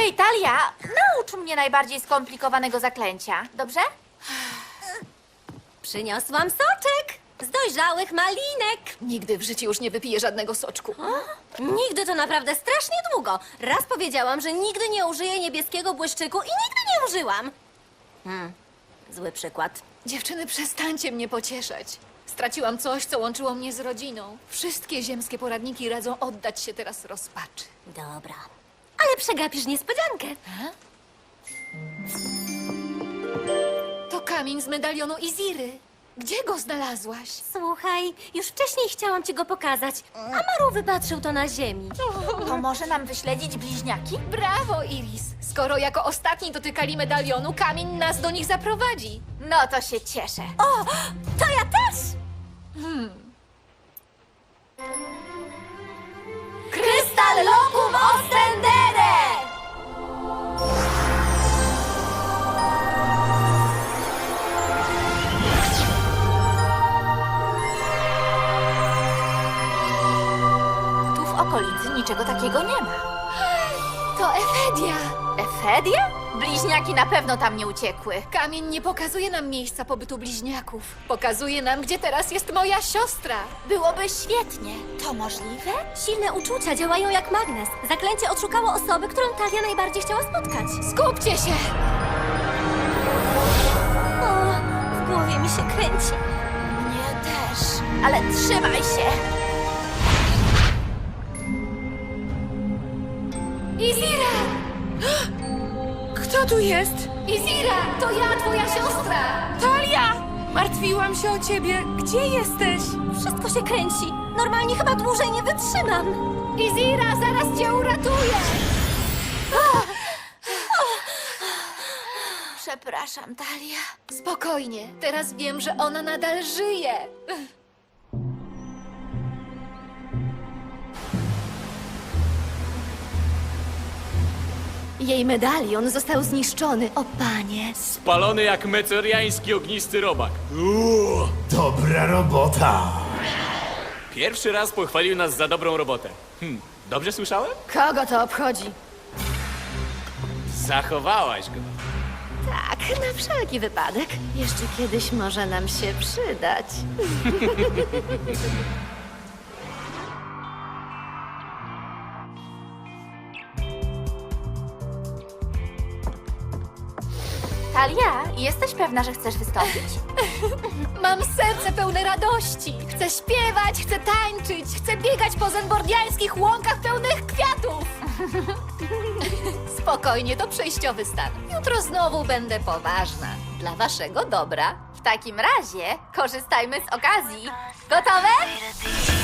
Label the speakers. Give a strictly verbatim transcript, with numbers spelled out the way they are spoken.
Speaker 1: Hej, Talia, naucz mnie najbardziej skomplikowanego zaklęcia, dobrze?
Speaker 2: Przyniosłam soczek z dojrzałych malinek.
Speaker 3: Nigdy w życiu już nie wypiję żadnego soczku.
Speaker 2: Nigdy to naprawdę strasznie długo. Raz powiedziałam, że nigdy nie użyję niebieskiego błyszczyku i nigdy nie użyłam. Hmm, zły przykład.
Speaker 3: Dziewczyny, przestańcie mnie pocieszać. Straciłam coś, co łączyło mnie z rodziną. Wszystkie ziemskie poradniki radzą oddać się teraz rozpaczy.
Speaker 2: Dobra. Ale przegapisz niespodziankę.
Speaker 3: To kamień z medalionu Iziry. Gdzie go znalazłaś?
Speaker 2: Słuchaj, już wcześniej chciałam ci go pokazać. A Maru wypatrzył to na ziemi.
Speaker 1: To może nam wyśledzić bliźniaki?
Speaker 3: Brawo, Iris! Skoro jako ostatni dotykali medalionu, kamień nas do nich zaprowadzi.
Speaker 1: No to się cieszę.
Speaker 2: O, to ja też! Krystal Locum Ostendere!
Speaker 1: Tu w okolicy niczego takiego nie ma.
Speaker 3: To Efedia!
Speaker 1: Efedia? Bliźniaki na pewno tam nie uciekły.
Speaker 3: Kamień nie pokazuje nam miejsca pobytu bliźniaków. Pokazuje nam, gdzie teraz jest moja siostra.
Speaker 1: Byłoby świetnie. To możliwe?
Speaker 2: Silne uczucia działają jak magnes. Zaklęcie odszukało osoby, którą Talia najbardziej chciała spotkać.
Speaker 3: Skupcie się!
Speaker 2: O, w głowie mi się kręci.
Speaker 1: Mnie też. Ale trzymaj się.
Speaker 3: Izira!
Speaker 4: Kto tu jest?
Speaker 3: Izira! To ja, twoja siostra!
Speaker 4: Talia! Martwiłam się o ciebie. Gdzie jesteś?
Speaker 2: Wszystko się kręci. Normalnie chyba dłużej nie wytrzymam.
Speaker 3: Izira, zaraz cię uratuję!
Speaker 1: Przepraszam, Talia.
Speaker 3: Spokojnie, teraz wiem, że ona nadal żyje. Jej medalion został zniszczony, o panie.
Speaker 5: Spalony jak mecoriański ognisty robak. Uuu.
Speaker 6: Dobra robota!
Speaker 5: Pierwszy raz pochwalił nas za dobrą robotę. Hm, dobrze słyszałem?
Speaker 3: Kogo to obchodzi?
Speaker 5: Zachowałaś go.
Speaker 2: Tak, na wszelki wypadek. Jeszcze kiedyś może nam się przydać.
Speaker 1: Talia, jesteś pewna, że chcesz wystąpić?
Speaker 3: Mam serce pełne radości. Chcę śpiewać, chcę tańczyć, chcę biegać po zenbordiańskich łąkach pełnych kwiatów. Spokojnie, to przejściowy stan. Jutro znowu będę poważna. Dla waszego dobra.
Speaker 1: W takim razie korzystajmy z okazji. Gotowe?